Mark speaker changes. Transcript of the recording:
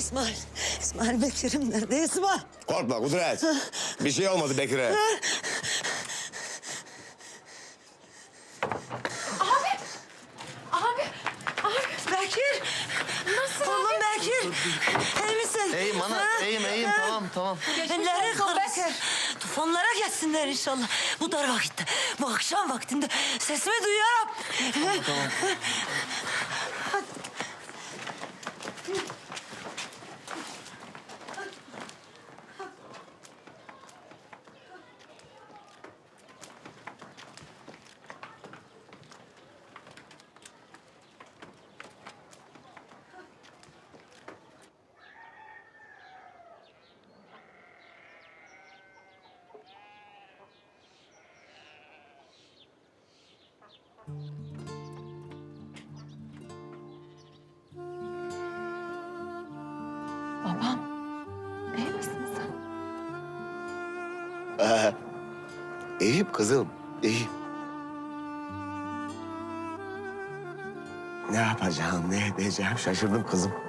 Speaker 1: İsmail. İsmail Bekir'im nerede İsmail?
Speaker 2: Korkma Kudret. Bir şey olmadı Bekir'e.
Speaker 3: Abi.
Speaker 1: Bekir.
Speaker 3: Nasıl
Speaker 1: Oğlum
Speaker 3: abi?
Speaker 1: Bekir. İyi misin?
Speaker 4: İyiyim ana, iyiyim. Tamam.
Speaker 1: Elleri
Speaker 3: olsun
Speaker 1: kırılsın.
Speaker 3: Bekir.
Speaker 1: Tufanlara geçsinler inşallah. Bu dar vakitte, bu akşam vaktinde sesimi duyuyorum.
Speaker 4: Tamam.
Speaker 3: Babam. İyi misin sen?
Speaker 2: İyiyim kızım, iyiyim. Ne yapacağım, ne edeceğim şaşırdım kızım.